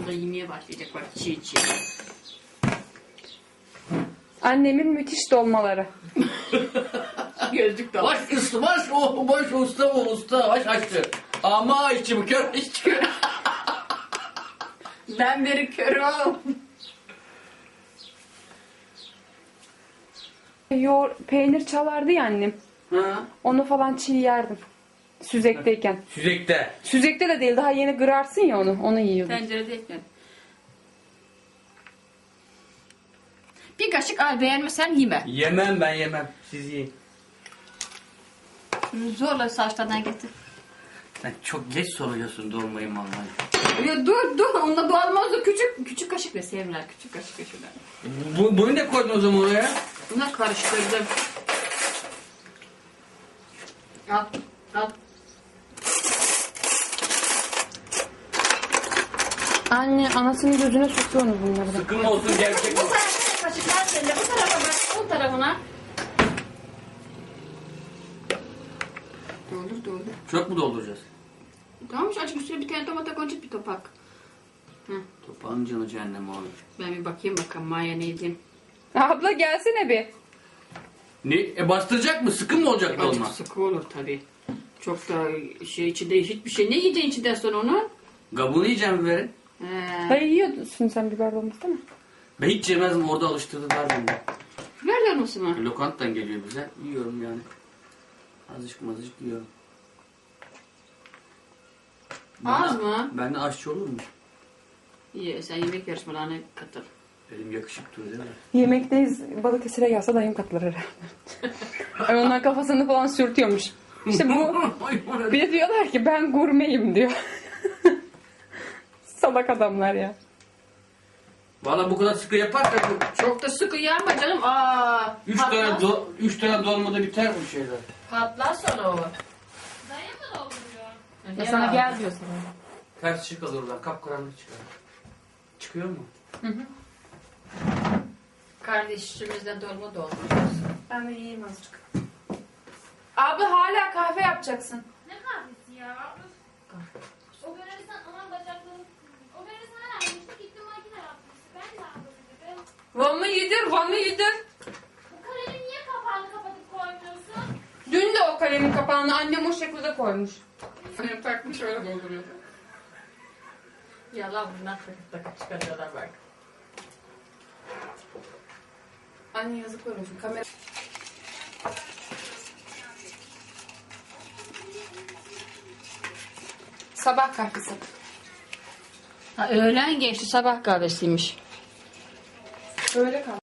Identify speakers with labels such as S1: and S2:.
S1: da yemeye başlayacak bak çiğ çiğ.
S2: Annemin müthiş dolmaları.
S1: Gözlük de var.
S3: Baş usta açtı. Ama içim kör içim.
S1: Ben beri körüm.
S2: Peynir çalardı ya annem.
S3: Ha?
S2: Onu falan çiğ yerdim. Süzekteyken.
S3: Süzekte.
S2: Süzekte de değil, daha yeni kırarsın ya onu. Onu yiyordum.
S1: Tencerede ekledim. Bir kaşık al, beğenmesen yeme.
S3: Yemem, ben yemem. Siz yiyin.
S1: Zorla saçlardan getir.
S3: Sen çok geç soruyorsun dolmayı vallahi.
S1: Ya dur onunla doğalmaz da küçük kaşık ve sevimler küçük kaşık ve şuradan.
S3: Bunu ne koydun o zaman oraya?
S1: Buna karıştırdım. Al.
S2: Anne anasının gözüne sokuyorsunuz bunları da.
S3: Sıkılma olsun gerçek.
S1: Bu tarafa kaşıklar seninle, bu tarafa bak, bu tarafına. Doldur.
S3: Çok mu dolduracağız?
S1: Tamam azıcık üstüne bir tane tomata koyacak bir topak.
S3: Topağın canı cehennem abi.
S1: Ben bir bakayım bakalım Maya ne diyeyim.
S2: Abla gelsene bir.
S3: Ne? Bastıracak mı? Sıkı mı olacak dolma?
S1: Azıcık sıkı olur tabii. Çok da içinde hiçbir şey. Ne yiyeceksin içinden sonra onu?
S3: Kabuğunu yiyeceğim biberin.
S2: Hayır yiyordun sen biber dolması değil mi?
S3: Ben hiç yemezdim, orada alıştırdılar beni.
S1: Biber dolması mı?
S3: Lokanttan geliyor bize. Yiyorum yani. Azıcık yiyorum.
S1: Az mı?
S3: Ben de aşçı olur mu?
S1: İyi, sen yemek yarışmalarına katıl.
S3: Elim yakışıklı değil mi?
S2: Yemekteyiz, Balıkesir'e gelse dayım katılır herhalde. Ay onlar kafasını falan sürtüyormuş. İşte bu bir de diyorlar ki ben gurmeyim diyor. Salak adamlar ya.
S3: Valla bu kadar sıkı yaparsak
S1: Çok da sıkı yanma canım.
S3: üç tane dolmada biter bu şeyler.
S1: Patlar sonra o.
S4: Dayı mı dolduruyor?
S2: Ya sana gel diyor sana.
S3: Ters ışık alır oradan, kapkaranlık çıkar. Çıkıyor mu?
S1: Kardeşimizden dolma dolduracağız.
S2: Ben de yiyeyim azıcık. Abla hala kahve yapacaksın.
S4: Ne kahvesi ya? O böreği aman bacaklarım. O böreği sana vermiştik. Gittim makine yapmıştı. Ben de aldım dedim.
S2: Van'ı yedir.
S4: Bu kalemi niye kapağını kapatıp koymuyorsun?
S2: Dün de o kalemin kapağını annem o şekilde koymuş.
S1: Benim takmış öyle dolduruyordu. Yalan bundan takıp çıkarıyorlar bak.
S2: Anne yazık olmuş. Kamera... Sabah kahvesi.
S1: Öğlen geçti sabah kahvesiymiş.
S2: Öyle kal.